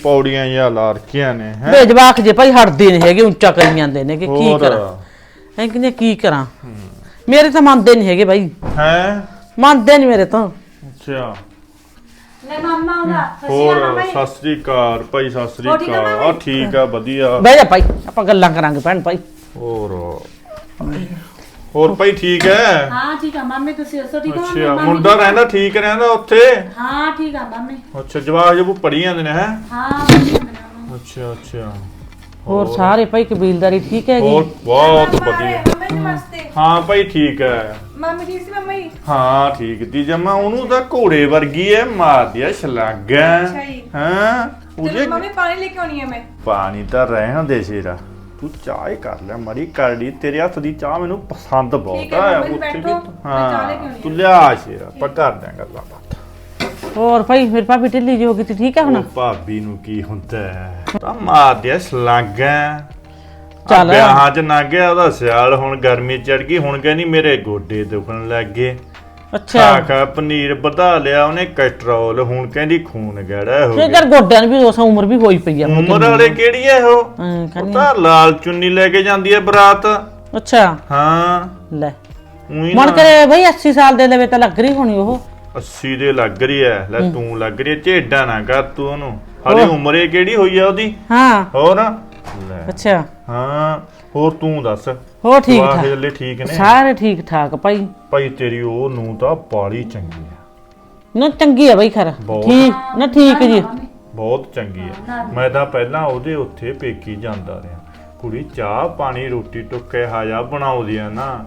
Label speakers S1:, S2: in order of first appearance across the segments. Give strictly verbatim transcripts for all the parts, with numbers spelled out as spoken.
S1: ਪੌੜੀਆਂ ਜਾਂ ਲਾ ਰੱਖੀਆਂ ਨੇ ਹੈ
S2: ਵੇ ਜਵਾਕ ਜੇ ਭਾਈ ਹਟਦੇ ਨਹੀਂ ਹੈਗੇ ਉੱਚਾ ਕਰੀ ਜਾਂਦੇ ਨੇ ਕਿ ਕੀ ਕਰਾਂ ਐ ਕਿਨੇ ਕੀ ਕਰਾਂ ਮੇਰੇ ਤਾਂ ਮੰਨਦੇ ਨਹੀਂ ਹੈਗੇ ਭਾਈ
S1: ਹੈ
S2: ਮੰਨਦੇ ਨਹੀਂ ਮੇਰੇ ਤਾਂ
S1: ਅੱਛਾ
S3: ਲੈ ਮਾਮਾ ਉਹਦਾ
S1: ਹੋਰ ਸਤਿ ਸ੍ਰੀ ਅਕਾਲ ਭਾਈ ਸਤਿ ਸ੍ਰੀ ਅਕਾਲ ਆ ਠੀਕ ਆ ਵਧੀਆ
S2: ਬਹਿ ਜਾ ਭਾਈ ਆਪਾਂ ਗੱਲਾਂ ਕਰਾਂਗੇ ਭੈਣ ਭਾਈ
S1: ਹੋਰ ਹੋਰ ਭਾਈ ਠੀਕ ਹੈ
S3: ਹਾਂ ਠੀਕ ਆ ਮਾਮੇ ਤੁਸੀਂ ਦੱਸੋ ਠੀਕ ਹੋ
S1: ਅੱਛਾ ਮੁੰਡਾ ਰਹਿੰਦਾ ਠੀਕ ਰਹਿੰਦਾ ਉੱਥੇ
S3: ਹਾਂ ਠੀਕ ਆ ਮਾਮੇ
S1: ਅੱਛਾ ਜਵਾਕ ਜਬੂ ਪੜੀ ਜਾਂਦੇ ਨੇ ਹੈ
S3: ਹਾਂ
S1: ਅੱਛਾ ਅੱਛਾ
S2: ਹੋਰ ਸਾਰੇ ਭਾਈ ਕਬੀਲਦਾਰੀ ਠੀਕ ਹੈਗੀ
S1: ਹੋਰ ਬਹੁਤ ਵਧੀਆ
S4: ਮੰਮੀ ਨਮਸਤੇ
S1: ਹਾਂ ਭਾਈ ਠੀਕ ਹੈ
S4: ਮੰਮੀ ਠੀਕ ਸੀ ਮੰਮੀ
S1: ਹਾਂ ਠੀਕ ਦੀ ਜਮਾ ਉਹਨੂੰ ਤਾਂ ਘੋੜੇ ਵਰਗੀ ਐ ਮਾਰਦੀ ਐ ਛਲਾਗਾ ਹਾਂ ਉਹਦੇ
S4: ਮੰਮੀ ਪਾਣੀ ਲੈ ਕੇ ਆਉਣੀ ਹੈ ਮੈਂ
S1: ਪਾਣੀ ਤਾਂ ਰਹਿਣ ਦੇ ਸ਼ੇਰਾ ਤੂੰ ਚਾਹ ਹੀ ਕਰ ਲੈ ਮੜੀ ਕਰਦੀ ਤੇਰੇ ਹੱਥ ਦੀ ਚਾਹ ਮੈਨੂੰ ਪਸੰਦ ਬਹੁਤ ਆ ਉੱਥੇ ਵੀ ਹਾਂ ਤੂੰ ਲਿਆ ਸ਼ੇਰਾ ਆਪਾਂ ਕਰ ਦਾਂ ਗੱਲਾਂ ਬਾਤਾਂ
S2: ਹੋਰ ਭਾਈ ਫਿਰ ਭਾਬੀ ਢਿੱਲੀ ਜੀ ਹੋ ਗਈ ਤੇ ਠੀਕ ਹੈ ਹੁਣ
S1: ਭਾਬੀ ਨੂੰ ਕੀ ਹੁੰਦਾ ਤਾਂ ਮਾਰਦੀ ਐ ਛਲਾਗਾ
S2: ਚੱਲ
S1: ਵਿਆਹਾਂ ਚ ਨਾ ਗਿਆ ਉਹਦਾ ਸਿਆਲ ਹੁਣ ਗਰਮੀ ਚੜ ਗਈ ਹੁਣ ਕਹਿੰਦੀ ਮੇਰੇ ਗੋਡੇ ਦੁਖਣ ਲੱਗ ਗਏ
S2: ਅੱਛਾ
S1: ਖਾ ਪਨੀਰ ਵਧਾ ਲਿਆ ਉਹਨੇ ਕੈਸਟਰੋਲ ਹੁਣ ਕਹਿੰਦੀ ਖੂਨ ਗੜਾ ਹੋ
S2: ਫਿਰ
S1: ਗਿਆ
S2: ਕਰ ਗੋਡਿਆਂ ਨੂੰ ਵੀ ਉਸ ਉਮਰ ਵੀ ਹੋਈ ਪਈ ਆ
S1: ਉਮਰ ਵਾਲੇ ਕਿਹੜੀ ਐ ਉਹ
S2: ਹਾਂ,
S1: ਉਹ
S2: ਕਹਿੰਦੀ
S1: ਤਾਂ ਲਾਲ ਚੁੰਨੀ ਲੈ ਕੇ ਜਾਂਦੀ ਐ ਬਰਾਤ
S2: ਅੱਛਾ
S1: ਹਾਂ
S2: ਲੈ
S1: ਉਹੀ
S2: ਮਨ
S1: ਨਾ
S2: ਕਰੇ ਬਈ ਅੱਸੀ ਸਾਲ ਦੇ ਲਵੇ ਤਾਂ ਲੱਗ ਰਹੀ ਹੋਣੀ ਉਹ
S1: ਅੱਸੀ ਦੇ ਲੱਗ ਰਹੀ ਐ ਲੈ ਤੂੰ ਲੱਗ ਰਹੀ ਐ ਝੇਡਾ ਨਾ ਕਰ ਤੂੰ ਉਹਨੂੰ ਹਾਲੇ ਉਮਰੇ ਕਿਹੜੀ ਹੋਈ ਆ ਉਹਦੀ
S2: ਹਾਂ
S1: ਹੋਰ ਲੈ
S2: ਅੱਛਾ
S1: ਹਾਂ ਹੋਰ ਤੂੰ ਦੱਸ
S2: ਹੋ ਠੀਕ
S1: ਵਾਹ
S2: ਠਾਕ
S1: ਹਲੇ ਠੀਕ ਨੇ
S2: ਸਾਰੇ ਠੀਕ ਠਾਕ ਭਾਈ
S1: ਭਾਈ ਤੇਰੀ ਉਹ ਨੂੰ ਤਾਂ ਬਾਲੀ ਚੰਗੀ ਆ
S2: ਨਾ ਚੰਗੀ ਆ ਬਈ ਖਰ
S1: ਬਹੁਤ।
S2: ਠੀਕ ਨਾ ਠੀਕ ਜੀ
S1: ਬਹੁਤ ਚੰਗੀ ਹੈ ਮੈਂ ਤਾਂ ਪਹਿਲਾਂ ਉਹਦੇ ਉੱਥੇ ਪੇਕੀ ਜਾਂਦਾ ਰਿਹਾ ਕੁੜੀ ਚਾਹ ਪਾਣੀ ਰੋਟੀ ਟੁੱਕੇ ਹਾਜਾ ਬਣਾਉਂਦੀ ਆ ਨਾ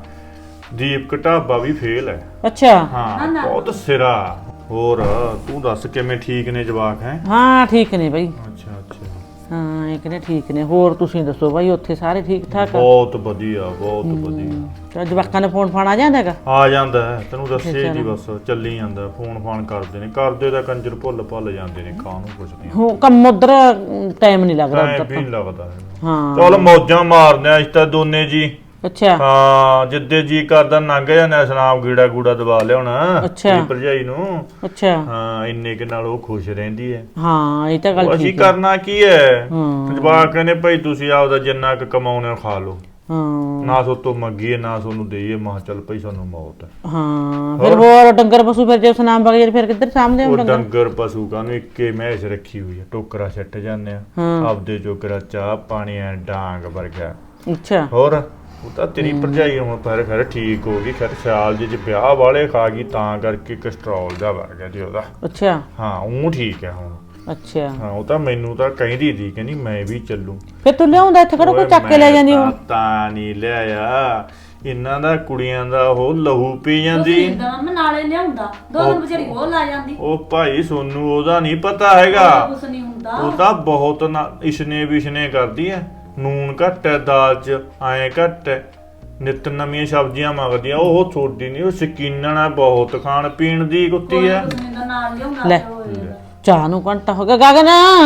S1: ਦੀਪ ਢਾਬਾ ਵੀ ਫੇਲ ਹੈ
S2: ਅੱਛਾ
S1: ਹਾਂ ਬਹੁਤ ਸਿਰਾ ਹੋਰ ਤੂੰ ਦੱਸ ਕਿਵੇਂ ਠੀਕ ਨੇ ਜਵਾਕ ਹੈ
S2: ਹਾਂ ਠੀਕ ਨੇ ਬਈ
S1: ਅੱਛਾ ਅੱਛਾ
S2: ਹਾਂ ਇਹ ਕਹਿੰਦੇ ਠੀਕ ਨੇ ਹੋਰ ਤੁਸੀਂ ਦੱਸੋ ਬਾਈ ਉੱਥੇ ਸਾਰੇ ਠੀਕ ਠਾਕ ਆ
S1: ਬਹੁਤ ਵਧੀਆ ਬਹੁਤ ਵਧੀਆ
S2: ਤੇ ਜਵਾਕਾਂ ਨੇ ਫੋਨ ਫਾਨ ਆ ਜਾਂਦਾ ਹੈਗਾ
S1: ਆ ਜਾਂਦਾ ਹੈ ਤੈਨੂੰ ਦੱਸੇ ਜੀ ਬਸ ਚੱਲੀ ਜਾਂਦਾ ਫੋਨ ਫਾਨ ਕਰਦੇ ਨੇ ਕਰਦੇ ਤਾਂ ਕੰਜਰ ਭੁੱਲ ਭੁੱਲ ਜਾਂਦੇ ਨੇ ਖਾਣ ਨੂੰ ਕੁਝ ਨਹੀਂ
S2: ਹੋ ਕੰਮ ਉਧਰ ਟਾਈਮ ਨਹੀਂ ਲੱਗਦਾ
S1: ਟਾਈਮ
S2: ਉੱਧਰ
S1: ਵੀ ਨੀ ਲੱਗਦਾ ਹੈ
S2: ਹਾਂ
S1: ਚਲ ਮੌਜਾਂ ਮਾਰਦੇ ਆ ਇਸ ਤਾਂ ਦੋਨੇ ਜੀ
S2: ਅੱਛਾ
S1: ਹਾਂ ਜਿੱਦੇ ਜੀ ਕਰਦਾ ਲੰਘ ਜਾਂਦਾ ਸਨਾਮ ਗੀੜਾ ਗੂੜਾ ਦਬਾ ਲਿਆਉਣਾ
S2: ਅੱਛਾ।
S1: ਤੇਰੀ ਭਰਜਾਈ ਨੂੰ
S2: ਅੱਛਾ
S1: ਹਾਂ ਇੰਨੇ ਕਿ ਨਾਲ ਉਹ ਖੁਸ਼ ਰਹਿੰਦੀ ਹੈ
S2: ਹਾਂ ਇਹ ਤਾਂ ਗੱਲ
S1: ਅਸੀਂ
S2: ਠੀਕ ਹੈ
S1: ਕਰਨਾ ਕੀ ਹੈ
S2: ਹਾਂ।
S1: ਜਵਾਕ ਕਹਿੰਦੇ ਭਾਈ ਤੁਸੀਂ ਆਪਦਾ ਜਿੰਨਾ ਕੁ ਕਮਾਉਣੇ ਖਾ ਲਓ
S2: ਹਾਂ
S1: ਨਾ ਸੋਤੋਂ ਮੰਗੀਏ ਨਾ ਸੋਨੂੰ ਦੇਈਏ ਮਾਂ ਚੱਲ ਭਾਈ ਸਾਨੂੰ ਮੌਤ ਹੈ
S2: ਹਾਂ ਫਿਰ ਹੋਰ ਡੰਗਰ ਪਸ਼ੂ ਫਿਰ ਜੇ ਸੁਨਾਮ ਬਗੇ ਫਿਰ ਕਿੱਧਰ ਸਾਹਮਣੇ
S1: ਉਹ
S2: ਡੰਗਰ
S1: ਡੰਗਰ ਪਸ਼ੂ ਕਾਨੂੰ ਇੱਕੇ ਮੈਸ ਰੱਖੀ ਹੋਈ ਹੈ ਟੋਕਰਾ ਛੱਟ ਜਾਂਦੇ ਆ
S2: ਹਾਂ।
S1: ਆਪਦੇ ਜੋਗਰਾ ਚਾਹ ਪਾਣੀ ਐ ਡਾਂਗ ਵਰਗਾ
S2: ਅੱਛਾ
S1: ਹੋਰ ਉਹ ਤਾਂ ਤੇਰੀ ਭਰਜਾਈ ਹੁਣ ਪਰ ਖੈਰ ਠੀਕ ਹੋ ਗਈ ਖੈਰ ਸਿਆਲ ਜੇ ਵਿਆਹ ਵਾਲੇ ਖਾ ਗਈ ਤਾਂ ਕਰਕੇ ਕੈਸਟਰੋਲ ਦਾ ਵਰ ਗਿਆ ਜੀ ਉਹਦਾ
S2: ਅੱਛਾ
S1: ਹਾਂ ਉਹ ਠੀਕ ਹੈ ਹੁਣ
S2: ਅੱਛਾ
S1: ਹਾਂ ਉਹ ਤਾਂ ਮੈਨੂੰ ਤਾਂ ਕਹਿੰਦੀ ਸੀ ਕਹਿੰਦੀ ਮੈਂ ਵੀ ਚੱਲੂ
S2: ਫਿਰ ਤੂੰ ਲਿਆਉਂਦਾ ਇੱਥੇ ਕਿਹੜਾ ਕੋਈ ਚੱਕ ਕੇ ਲੈ ਜਾਂਦੀ ਉਹ
S1: ਤਾਂ ਨਹੀਂ ਲਿਆਇਆ ਇਹਨਾਂ ਦਾ ਕੁੜੀਆਂ ਦਾ ਉਹ ਲਹੂ ਪੀ ਜਾਂਦੀ
S3: ਮੈਂ ਨਾਲੇ ਲਿਆਉਂਦਾ ਦੋ ਦਿਨ ਵਿਚਾਰੀ ਉਹ ਲਾ ਜਾਂਦੀ
S1: ਉਹ ਭਾਈ ਸੋਨੂੰ ਉਹਦਾ ਨਹੀਂ ਪਤਾ ਹੈਗਾ
S3: ਕੁਛ ਨਹੀਂ ਹੁੰਦਾ
S1: ਉਹ ਤਾਂ ਬਹੁਤ ਨਾ ਇਸ਼ਨੇ ਵਿਸ਼ਨੇ ਕਰਦੀ ਹੈ ਨੂਨ ਘੱਟ ਹੈ ਦਾਲ ਚ ਐਂ ਘੱਟ ਹੈ ਨਿਤ ਨਵੀਆਂ ਸਬਜ਼ੀਆਂ ਮੰਗਦੀਆਂ ਉਹ ਛੋਟੀ ਨਹੀਂ ਉਹ ਸ਼ਕੀਨਣ ਹੈ ਬਹੁਤ ਖਾਣ ਪੀਣ ਦੀ ਕੁੱਤੀ ਹੈ
S3: ਨਾਲ ਲਿਆਉਂਦਾ
S2: ਲੈ ਚਾਹ ਨੂੰ ਘੰਟਾ ਹੋ ਗਿਆ ਗਗਨ